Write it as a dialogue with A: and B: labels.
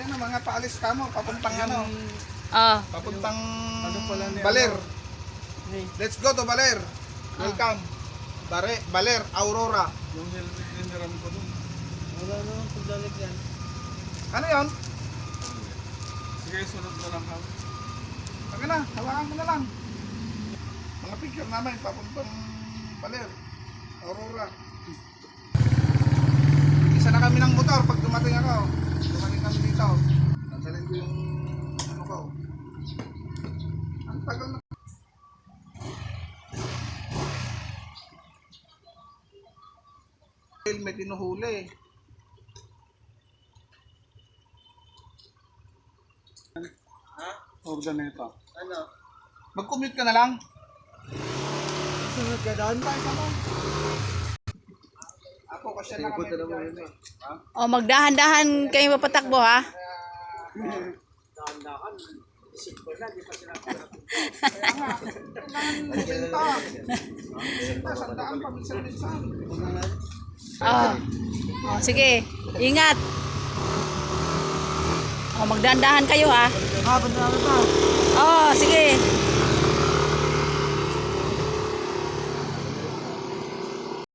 A: Ayan na, mga paalis ka mo. Papuntang ano.
B: Oh.
A: Papuntang
C: Ano pala niya?
A: Baler.
C: Hey,
A: Let's go to Baler. Welcome. Baler, Aurora.
C: yung helmet hiniram ko dun. Wala naman pagdalig yan.
A: Ano yon?
C: Sige, sunod na lang kami.
A: Taka na, hawakan mo na lang. Mga picture namin, papuntang Baler, Aurora. Isa na kami ng motor pag dumating ako. Dumating kami dito. Nandalin ko yung ano ko. Ang tagal na. May tinuhuli.
C: Huwag na ito.
A: Ano? Mag-commute ka na lang.
C: Sunod ka doon?
A: Ako kasi na kami.
B: Oh, magdahan-dahan kayo mapatakbo ha.
C: Dahan-dahan. Isip ko na, di pa sila
A: Kaya nga, kailangan benta. Benta, sandaan pa, minsan-minsan.
B: Oh. Oh, sige. Ingat. Oh, magdahan-dahan kayo ha.
C: Ah, ba't na pa?
B: Oh, sige.